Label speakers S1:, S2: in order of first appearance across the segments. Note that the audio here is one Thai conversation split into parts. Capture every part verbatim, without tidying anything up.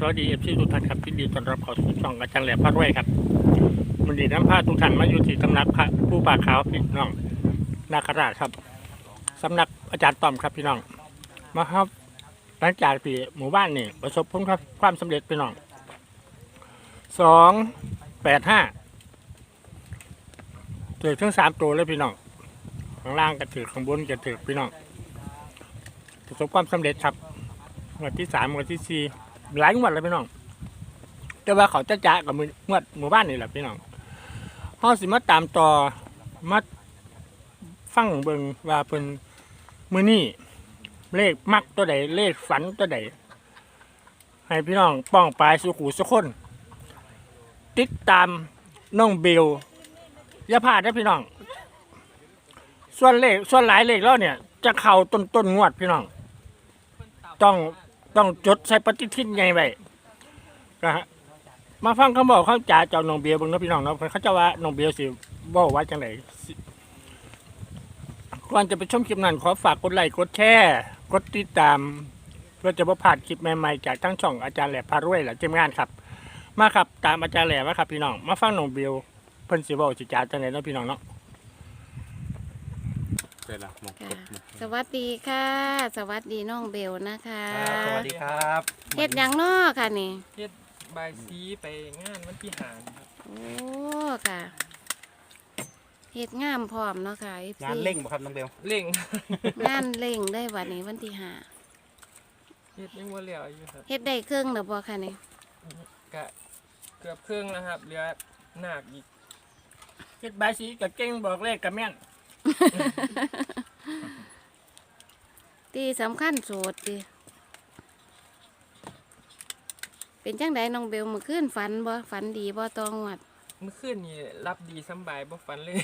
S1: วัสดีเอฟซีทุกท่านครับที่ดีต้อนรับเข้าสู่ช่องอาจารย์แหลมพระรวยครับมันดีน้ำผ้าทุกท่านมาอยู่ที่ตำนักพระผู้ป่าขาวพี่น้องนาคราชครับสำนักอาจารย์ต้อมครับพี่น้องมาครับหลังจากที่หมู่บ้านนี่ประสบผลความสำเร็จพี่น้องสองแปดห้าถือทั้งสามตัวเลยพี่น้องข้างล่างก็ถือข้างบนก็ถือพี่น้องประสบความสำเร็จครับงวดที่สามงวดที่สี่หลายงวดเลยพี่น้องแต่ว่าเขาจะจ่ากับมืองวดหมู่บ้านนี่แหละพี่น้องเขาสิมาตามต่อมาฟังเบิ่งว่าเป็นมือนี่เลขมักตัวใดเลขฝันตัวใดให้พี่น้องป้องปลายสุขูสุคนติดตามน้องเบลอย่าพลาดนะพี่น้องส่วนเลขส่วนหลายเลขแล้วเนี่ยจะเข่าต้นต้นงวดพี่น้องต้องต้องจดใส่ปฏิทินไงไว้นะฮะมาฟังคำบอกเขาจ่าเจ้าน้องเบลเบิ่งนะพี่น้องเนาะเขาจะว่าน้องเบลสิบอกว่าจังไหนก่อนจะไปชมคลิปนั้นขอฝากกดไลค์กดแชร์กดติดตามเพื่อจะบ่พลาดคลิปใหม่ๆจากทั้งช่องอาจารย์แหลมพารวยและทีมงานครับมาครับตามอาจารย์แหลมมาครับพี่น้องมาฟังน้องเบลเพิ่นสิบอกสิจ่าจังไหนเนาะพี่น้องเนาะ
S2: สวัสดีค่ะสวัสดีน้องเบลนะคะ
S3: สวัสดีครับ
S2: เฮ็ดหยังน้อค่ะนี่
S3: เฮ็ดบายซีไปงานวันที่หางครับ
S2: โอ้ค่ะเฮ็ดงามพร้อมเนาะค่ะ
S4: งานเร่งบ่ครับน้องเบล
S3: เร่ง
S2: งานเร่งได้วันนี้วันที่ห้า
S3: เฮ็ดยังบ่แล้วอยู่ครับ
S2: เฮ็ดได้เครื่องหรือบ่ค่ะนี่
S3: กะเกือบครึ่งแล้วครับเหลือหนักอีก
S1: เฮ็ดใบสีกับเก่งบอกเลขกับแม่น
S2: ที่สำคัญโสดดิเป็นจังไดน้องเบลเมื่อคืนฝันบ่ฝันดีบ่ตองวัด
S3: เมื่อคืนนี่รับดีสำบายบ่ฝันเลย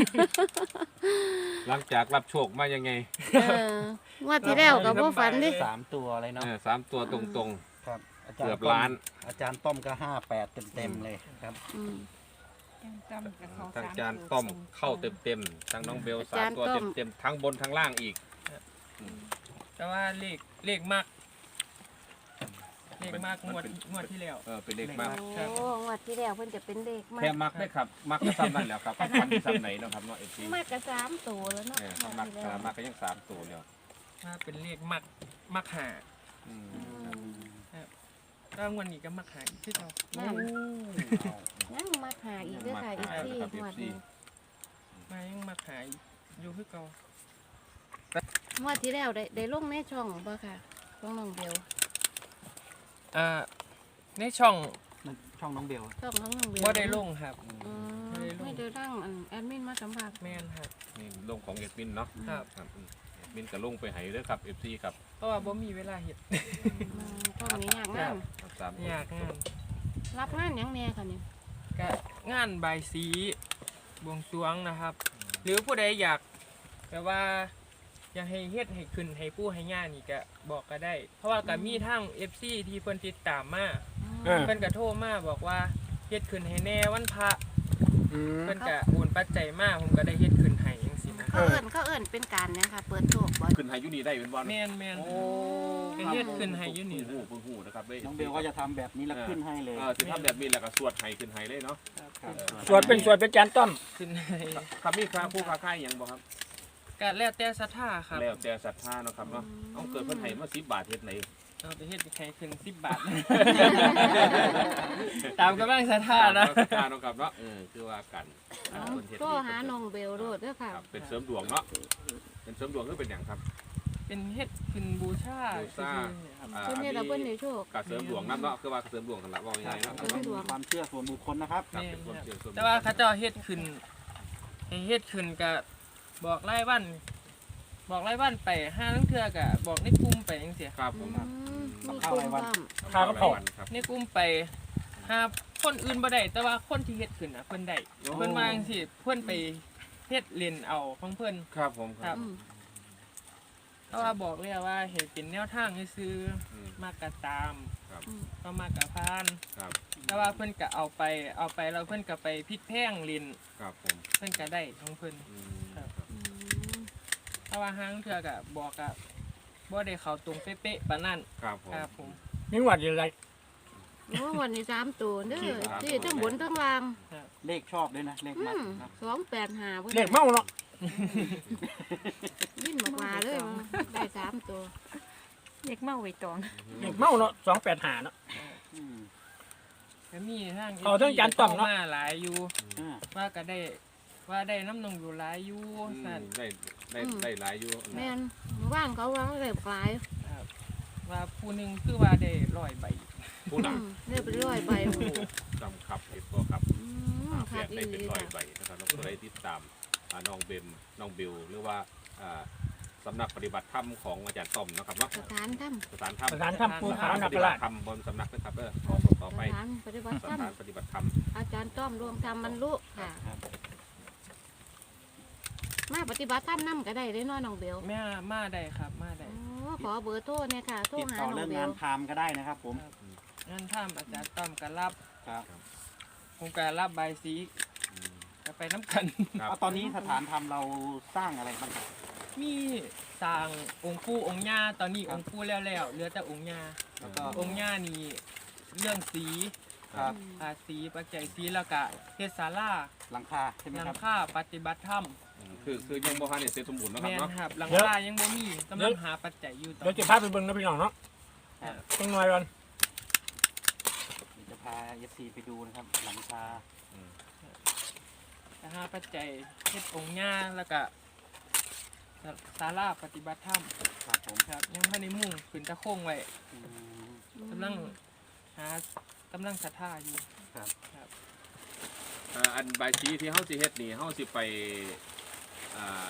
S5: หลังจากรับโชคมายังไง
S2: เอองวดที่แล้วก็บ่ฝันดิ
S4: สามตัวอะไรเนาะ
S5: เออสามตัวตรง
S4: ครับอา
S5: ๆ
S4: จาร
S5: เกือ
S4: ย์
S5: บล้าน
S4: อาจารย์ต้อมก็ห้าแปดเต็มๆเลยครับ
S2: อืม
S5: ทั้งจานต้อมเข้าเต็มๆทั้งน้องเบลสามตัว
S2: อาจารย์ต้อม
S5: เต็มๆทั้งบนทั้งล่างอีก
S3: แต่ว่าเลขเลขมากเลขมากงวดงวดที่แล้ว
S5: เออเป็นเลขมาก
S2: โอ้งวดที่แล้วเพิ่นจะเป็นเด็กมาก
S5: แค่มักได้ครับ มักก็ซ้ำนั่นแหล้วครับฟันที่ซ้ำไหนเนาะครับเนาะเอฟซี
S2: มากกะสามตัวแล้วเนาะ
S5: เออมักเออมักก็ยังสามตัวแล้ว
S3: ถ้าเป็นเลขมากมากหา
S5: อืม
S3: ก็งวดนี้ก็มากหาอีกที่เรา
S2: นั่นยังมาหาอีกเด้อค่ะอีกที่หวดนี้
S3: มายังมากหาอยู่คือเก่า
S2: หวดที่แล้วได้ได้ลงในช่องบ่ค่ะช่องน้องเบล
S3: อ่าในช่อง
S4: ช่องน้องเบล
S2: ช่องน้องน้องเบล
S3: บ่ได้ลงครับ
S2: อืม
S3: บ่ได้ลง
S2: ไม่ได้ร่างอันแอดมินมาสัมภาษณ์
S3: แม่นครับ
S5: นี่ลงของเอดมินเนาะ
S3: ครับ
S5: ครับอืมเอดมินก็ลงไปให้เด้อครับเอฟซีครับ
S3: เพราะว่าบ่มีเวลาเฮ็ด
S2: อืมช่องนี้ยากงาน
S5: สามตัว
S3: อยากงาน
S2: รับงานหยังแน่ค่ะนี่
S3: ก็งานใบายสีบวงสรวงนะครับ หรือผู้ใดอยากแบบว่าอยากให้เฮ็ดให้ขึ้นให้ผู้ให้ย่านี่ก็บอกก็ได้ เพราะว่าก็มีทั้ง เอฟ ซี ที่เพิ่นติดตามมา
S1: เออ
S3: เพิ่นก็โทรมาบอกว่าเฮ็ดขึ้นให้แน่วันพระ
S1: อืม
S3: เพิ่นก็โอนปัจจัยมาผมก็ได้เฮ็ดขึ้นให้จังซี่นะ
S2: เขาเอิ้นเขาเอิ้นเป็นการหยังค่ะเปิดโชคบ่
S5: ขึ้นให้อยูนี่ได้เป็นบอล
S3: แม่นแม่น
S5: โอ้
S3: ก็เฮ็ดขึ้นให้อยู่นี่
S5: หูหูหูนะครับด้
S4: น้องเบลก็จะทำแบบนี้แล้วขึ้นให้เลย
S5: เออสิทำแบบนี้แล้วก็สวดให้ขึ้นให้เลยเนาะ
S4: ครับ
S1: สวดเป็นสวดเป็นจานต้อม
S3: ขึ้นให้
S5: ครับมีครับผู้ค้าขายหยังบ่ครับ
S3: ก็แล้วแต่ศรัทธาครับ
S5: แล้วแต่ศรัทธาเนาะครับเนาะเอาเกิดเพิ่นให้มาสิบบาทเฮ็ดไหน
S3: เอาไปเฮ็ดให้ขึ้นสิบบาท ตามกำลังศรัทธานะ
S5: ศรัทธาเนาะครับเนาะเออคือว่ากัน
S2: เอา
S5: เพิ่นเฮ็ด
S2: โทรหาน้องเบลโลดเด้อค่ะ
S5: ครับเป็นเสริมดวงเนาะเป็นเสริมดวงคือเป็นหยังครับ
S3: เป็นเฮ็ดขึ้นบูชา
S5: บูชา
S3: ซื่อๆครับ
S5: อ่า
S2: เพิ่นเฮ็ดแล้วเพิ่นได้โชค
S5: การเสริมดวงนำเนาะคือว่าเสริมดวงกันละว่าง่ายๆเนาะ
S2: เสริมดวง
S4: ความเชื่อส่วนบุคคลนะครับ
S5: ครับเป็นความเชื่อส่วนบุคคล
S3: แต่ว่าเขาเจ้าเฮ็ดขึ้นให้เฮ็ดขึ้นก็บอกรายวัน บอกรายวันไปห้าลังเทื่อก็บอกในกลุ่มไปจังซี่
S5: ครับผ
S2: อื
S5: ม
S2: มมีกลุ่มพร้อม
S1: ข้าวกระเพรา
S5: ครับ
S3: ในกลุ่มไปหาคนอื่นบ่ได้แต่ว่าคนที่เฮ็ดขึ้นน่ะเพิ่นได้เพิ่นว่าจังซี่เพิ่นไปเฮ็ดเล่นเอาของเพิ่น
S5: ครับผมค
S3: ครั
S5: รับ
S3: บ
S2: อืม
S3: เพราะว่าบอกเลยว่าเฮ็ดเป็นแนวทางซื่อ
S5: อืม
S3: ๆมากก็ตาม
S5: ครับ
S3: ก็มากก็พาน
S5: ครับ
S3: แต่ว่าเพิ่นก็เอาไปเอาไปแล้วเพิ่นก็ไปพลิกแพงเล่น
S5: ครับผม
S3: เพิ่นก็ได้ของเพิ่น
S5: อืม
S3: ครับ
S2: อืม
S3: เพราะว่าห้างเทื่อก็บอกก็บ่ได้เข้าตรงเป๊ะๆปานนั้น
S5: ครับผม
S3: ครับผม
S1: มีหวัดอยู่ไร
S2: โอ้วันนี้สามตัวเด้อที่ทั้งบนทั้งล่าง
S4: เลขชอบด้วยนะ เลข
S2: อื
S4: มัด
S2: ม
S4: ครับ
S2: สองแปดห้า
S1: เลขเมาเนาะ
S2: ยิ่งมากมาเลยได้สามตัว
S6: เด็กเมาไว้ตอง
S1: เลขเมาเนาะสองแปดห้าเนาะ
S4: อืม
S3: ก็มีทาง
S1: เอาทั้งจานต้อมเนาะ
S3: มาหลายอยู่
S4: อ่า
S3: ว่าก็ได้ว่าได้น้ำนมอยู่หลายอยู่
S5: อืม
S3: สั่น
S5: ได้ได้ได้หลายอยู่
S2: แม่นว่างเขาว่าเรียบกลาย
S3: ครับว่าผู้หนึงคือว่าได้ร้อยใบ
S5: ผู้หนัก
S2: เรียบร้อยไป
S5: จำครับเห็นบ่ครับ
S2: อืม
S5: เป
S2: ขา
S5: ลี่ย
S2: ด
S5: น
S2: อี
S5: ได้
S2: ห
S5: เป็น
S2: ลี
S5: ร้อย
S2: จ้ะ
S5: ใบนะครับแล้วก็ได้ติดตามอ่าน้องเบมน้องบิวหรือว่าอ่าสำนักปฏิบัติธรรมของอาจารย์ต้อมนะครับเนาะ
S2: สถานถ้
S5: สถานธรรม
S1: สถานถ้ำปูขาวนา
S5: ป
S1: ค
S5: ฏิบั
S1: ราช
S5: ติธรรมบนสำนักนะครับเออต่อ
S2: ำ
S5: ไป
S2: สถานปฏิบัติ
S5: ส
S2: ธรรม
S5: ถานปฏิบัติธรรม
S2: อาจารย์ต้อมรวมธรรมบรรลุค่ะ
S4: ครับ
S2: มาปฏิบัติธรรมนํก็ได้ได้น้อยน้องเบล
S3: แม่มาได้ครับมาได้
S2: โอ้ขอเบอร์โทรเนี่ยค่ะโทร
S4: ติด
S2: หา
S4: ต่อ
S2: น้อ
S4: เรื่อง ง
S2: เบ
S4: งา
S2: ล
S4: นไทม์ก็ได้นะครับผม
S3: งั้นถ้าอาจารย์ต้อมก็รับ
S4: ครับ
S3: ผมก็รับใบายสีก็ไปน้ำกัน
S5: ครับ
S4: เอาตอนนี้สถานธรรมเราสร้างอะไรบ้างครับ
S3: มีสร้างองค์ปู่องค์ย่าตอนนี้
S4: ครับ
S3: องค์ปู่แล้วแล้วเหลือแต่องค์ย่า
S4: แล้วก็
S3: องค์ย่านี่เรื่องสี
S4: ครับ
S3: อาสีปัจจัยสีแล้วก็เทศศาลา
S4: หลังคาใช่ไหม
S3: หลั
S4: ค
S3: ง
S4: รับ
S3: คาปฏิบัติธรรม
S5: อืมคือคือยังบ่ทันได้เสร็จสมบูรณ์เนาะค
S3: แม
S5: รับ
S3: น
S5: เนาะ
S3: ครับหลังคายังบ่มีกำลังหาปัจจัยอยู่ตอน
S1: เดี๋ยวจะพาไปเบิ่งนะพี่น้องเนาะ
S3: ครับ
S1: ต้องหน่อยก่อน
S4: เดี๋ยวจะพาเอฟซีไปดูนะครับ หลังคา
S3: จะหาปัจจัยเทศองค์ย่าแล้วก็ศาลาปฏิบัติธรรม
S4: ครับผม
S3: ครับยังไม่ได้มุ่งขึ้นตะโค้งไว้
S4: อืม
S3: กำลังหากำลังศรัทธาอยู่
S4: ครับ
S3: ครับ
S5: เอ่ออันใบายสีที่เฮาสิเฮ็ดนี่เฮาสิไปอ่าง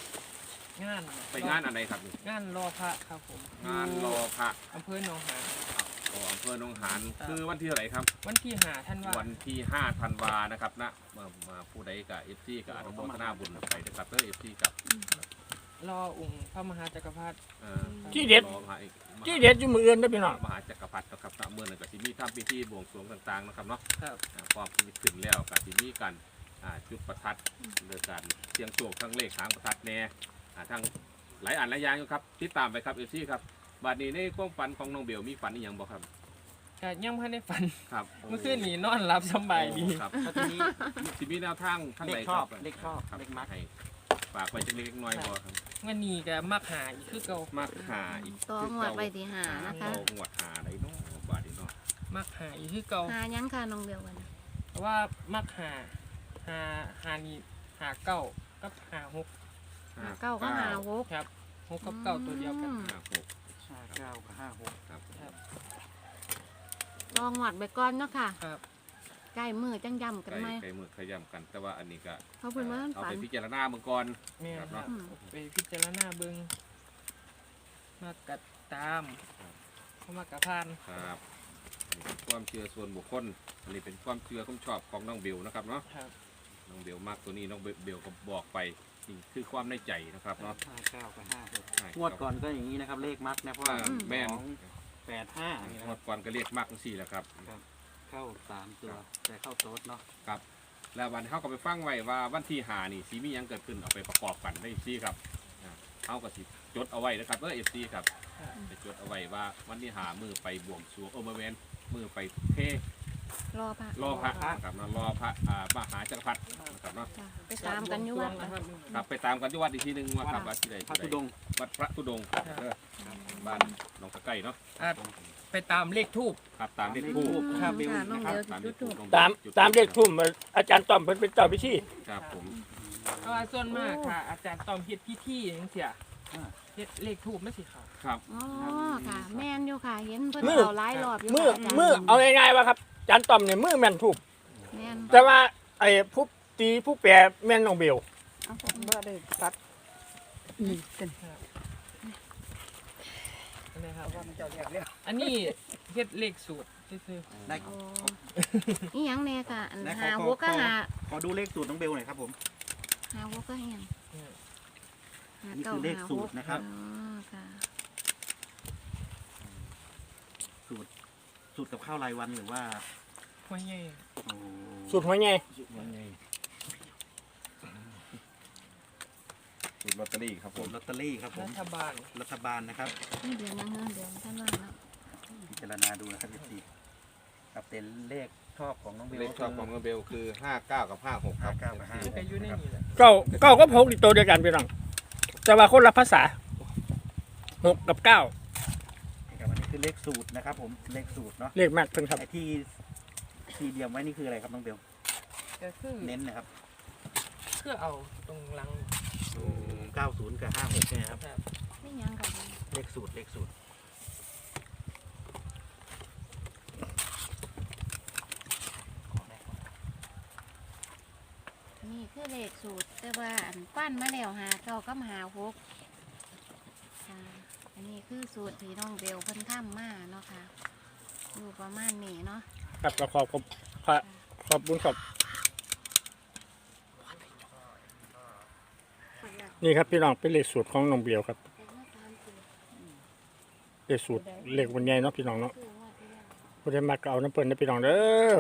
S3: าน
S5: ไปงานอันใดครับนี่
S3: งานรอพระครับผม
S5: งานรอพระ
S3: อำเภอหนองหาน
S5: โอ้อำเภอหนองหานคือวันที่เท่าไหร่ครับ
S3: วันที่หาท่านว่า
S5: วันที่ห้าธันวานะครับนะมามาผู้ใดกับ เอฟ ซี กับอนุโมทนาบุญไปนะครับเด้อ เอฟ ซี กับ
S3: รอองค์พระมหาจักรพรรดิ
S5: เอ่อ
S1: ที่เด็ด
S5: รองมหาเอก
S1: ที่เด็ดอยู่มืออื่นนะพี่น้อง
S5: มหาจักรพรรดินะครับนะเมื่อนั้นก็สิมีทำพิธีบวงสรวงต่างๆนะครับเนาะ
S3: ครับ
S5: อ่าพร้อมที่จะขึ้นแล้วก็สิมีกันอ่าจุดประทัดเรื่องการเสียงโชคทั้งเลขหางประทัดแน่อ่าทั้งหลายอันหลายอย่างอยู่ครับติดตามไปครับ เอฟ ซี ครับบัดนี้ในความฝันของน้องเบลมีฝันอีหยังบ่ครับ
S3: แต่ยังไม่ได้ฝัน
S5: ครับ
S3: เมื่อคืนนี้นอนหลับสำบายดี
S5: ครับ
S4: แล้วทีนี้
S5: สิมีแนวทางทาง
S4: เล
S5: ไหน
S4: ข
S5: ค
S4: ช
S5: รั
S4: อ
S5: บบ
S4: เลขชอบ
S5: ครับ
S4: เลขมัด
S5: ให้ฝากไว้จังเล็กน้อยบ่ครับ
S3: วันนี้ก็มักหาอีกคือเก่า
S5: มักหาอีก
S2: ต่องวดไปที่หานะคะ
S5: ต่องวดหาได้เนาะบาดนี้เนาะ
S3: มักหาอีกคือเก่า
S2: หายังค่ะน้องเบลวันนี้
S3: เพราะว่ามักหาหาหานี่หาเก้ากับหาหก
S2: หาเก้าก็หาหก
S3: ครับหกกับเก้าตัวเดียวกัน
S2: อืม
S5: ห้าหก
S4: ห้าเก้ากับห้าหก
S5: ครับ
S3: ครับ
S2: ลองหวัดไปก่อนเนาะค่ะ
S3: ครับ
S2: ใกล้มือจังย่ำกัน
S5: ไก่
S2: ไหม
S5: ไก่มือขย้ำกัน แต่ว่าอันนี้ก็
S2: เขาเพิ่นว่า
S5: เอา
S2: ฝั
S5: ไป
S2: น
S5: พิจารณาเมื่อก่อน
S3: แม่นครับ
S2: อืม
S3: ไปพิจารณาเบิ่งมากัดตามเข้ามากระพาน
S5: ครับอันนี้เป็นความเชื่อส่วนบุคคลอันนี้เป็นความเชื่อความชอบของน้องเบลนะครับเนาะ
S3: ครับ
S5: น้องเบลมากตัวนี้น้องเบลก็บอกไปนี่คือความในใจนะครับเนาะ
S4: ห้าเก้ากับห้าหก
S5: ใช่
S4: งวดก่อนก็อย่างนี้นะครับ เลขมัดนะเพราะ
S5: อ่า
S4: ว่า
S5: แม่น
S4: สองแปดห้านี่นะ
S5: ง
S4: คว รั
S5: ด
S4: บ
S5: ก่อนก็เรียกมากทั้งสี่แหละครับ
S4: เข้าสามตัว แต่เข้าโต๊ดเนาะ
S5: ครับแล้ววันเขาก็ไปฟังไว้ว่าวันที่หานี่สีมีหยังเกิดขึ้นเอาไปประกอบกันได้ซีครับอ่าเขาก็สิจดเอาไว้นะครับเออเอฟซีครับจะจดเอาไว้ว่าวันที่หามือไปบวงสรวงโอเมเวนมือไปเท
S2: รอพระ
S5: รอพระนะครับเนาะรอพระอ่ามหาจักรพรรดินะครับเนาะ
S2: จ้ะไปตามกันอยู่วัด
S3: นะ
S2: นะ
S3: ครับ
S5: ครับไปตามกันที่วัดอีกทีหนึงว่าครับวัดที่ใด
S4: พระ
S5: ที่
S4: ธุ
S5: ใด
S4: ดงค์
S5: วัดพระธุดงค์เออบ้านหนองตะไก่เนาะ
S3: อ่ะไปตามเลขทูบ
S5: ครับตามเลขคู่
S3: ครับ
S4: เบล
S2: ค่ะน้อง
S4: นะครับ
S2: เบล
S5: ตามเล
S2: จุ
S5: ข
S2: ด
S5: คู่
S2: ถูก
S1: ตามตามเลขทุ่มอาจารย์ต้อมเพิ่นเป็นเจ้าพิธี
S5: ครับผม
S3: เพราะว่าส่วนมากค่ะ อาจารย์ตอมเฮ็ดพิธีอย่างเสียเฮ็ดเลขทูบไม่สิครับ
S5: ครับ
S2: อ๋อค่ะ แม่นอยู่ค่ะ เห็นเพิ่น
S1: มือ
S2: เอาหลายรอบอยู่
S1: มือ
S2: ค่ะาจารย์
S1: มือเอาง่ายๆว่าครับอาจารย์ต้อมเนี่ยมือแม่นถูก
S2: แม่น
S1: แต่ว่าไอ้ผู้ตีผู้แปรแม่นน้องเบล
S6: เอาผมบ่ได้ตัดนี่เป็น
S3: นะครับ
S6: ว่ามันเจ้าเรียกแล้ว
S3: อันนี้เฮ็ดเลขสูตรซื่อ
S4: ได้
S2: โอ้อีหยังแน่ค่ะอัน
S4: ได้ขอ
S2: หา
S4: ขอ
S2: หัวก็
S4: ขอ
S2: หา
S4: ขอดูเลขสูตรน้องเบลหน่อยครับผม
S2: หาหัวก็เฮียง
S3: ๆเนี่ย
S2: หา
S4: นี่
S2: เก้า
S4: คือเลข
S2: หา
S4: สู
S2: ห
S4: ต
S2: ก
S4: รนะครับ
S2: อ๋อค่ะ
S4: สูตรสูตรกับข้าวรายวันหรือว่า
S3: หัวใหญ่
S4: โอ้
S1: สุดหัวใหญ่
S5: สูตรลอตเตอรี่ครับผ
S4: สู
S5: ม
S4: ตรลอตเตอรี่ครับผ
S3: รั
S4: ม
S3: ฐบาล
S4: รัฐบาลนะครับ
S2: นี่เดือนยังเงินเดือนท่านว่าเนาะ
S4: พิจารณาดูนะครับพี่ครับเป็นเลขชอบของน้องเบล
S5: เลขชอบของน้องเบลคือห้าเก้ากับห้าหกครับ
S4: ห้าเก้ากับห้า
S3: มันก็อยู่ในนี่แหละ
S1: เก้าเก้าก็พกอีกตัวเดียวกันพี่น้องแต่ว่าคนละภาษาหกกับเก้า
S4: ครับอันนี้คือเลขสูตรนะครับผมเลขสูตรเนาะ
S1: เลขมากเพิ่นครับ
S4: ไอ้ที่ที่เดียมไว้นี่คืออะไรครับน้องเบล
S3: ก็คือ
S4: เน้นนะครับ
S3: คือเอาตรงหลัง
S4: เก้าศูนย์กับห้าหกใช่ไหมครับ
S3: ครับ
S2: ไม่ยังค่ะ
S4: เลขสูตรเลขสูตร
S2: นี่คือเลขสูตรแต่ว่าอันปั้นมาแล้วหาเก้ากับหาหกค่ะอันนี้คือสูตรที่น้องเบลเพิ่นทำมาเนาะค่ะอยู่ประมาณนี้เนาะ
S1: ครับก็ขอบขอบขอบขอบคุณครับนี่ครับพี่น้องเป็นเลขสูตรของน้องเบียวครับเลขสูตรเลขวันใหญ่เนาะพี่น้องเนาะผู้ใดมาก็เอาน้ำเปิ้ลนะพี่น้องเด้อ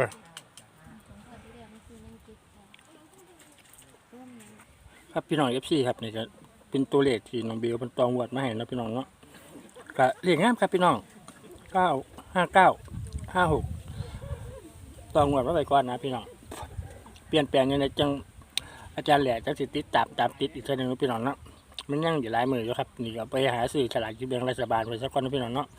S1: ครับพี่น้องเอฟซีครับนี่ก็เป็นตัวเลขที่น้องเบียวเป็นตองวดมาให้เนาะพี่น้องเนาะก็เลขงามครับพี่น้องเก้าห้าเก้าห้าหกตองวดมาไปก่อนนะพี่น้องเปลี่ยนแปลงยังไงจังอาจารย์แหล่จังสิติดตามตามติดอีกทีหนึงนะพี่น้องเนาะมันยังอยู่หลายมืออยู่ครับนี่ก็ไปหาซื้อฉลากกินแบ่งรัฐบาลไว้สักก้อนนะพี่น้องเนาะ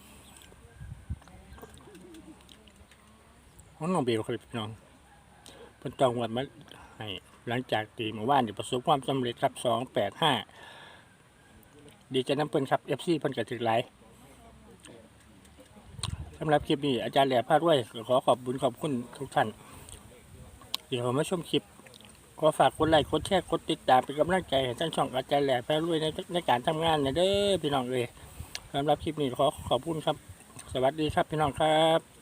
S1: ของน้องเบลครับพี่น้องเป็นตองวดมาให้หลังจากตีเมื่อวานที่ประสบความสำเร็จครับสองแปดห้าดีใจน้ำเปิ้ลครับเอฟซีเพิ่นกระถึกหลายสำหรับคลิปนี้อาจารย์แหล่พาด้วยขอขอบคุณขอบคุณทุกท่านที่เข้ามาชมคลิปขอฝากกดไลค์กดแชร์กดติดตามเป็นกำลังใจให้ท่านช่องอาจารย์แหล่พาด้วยในในการทำงานนะเด้อพี่น้องเลยสำหรับคลิปนี้ขอขอบคุณครับสวัสดีครับพี่น้องครับ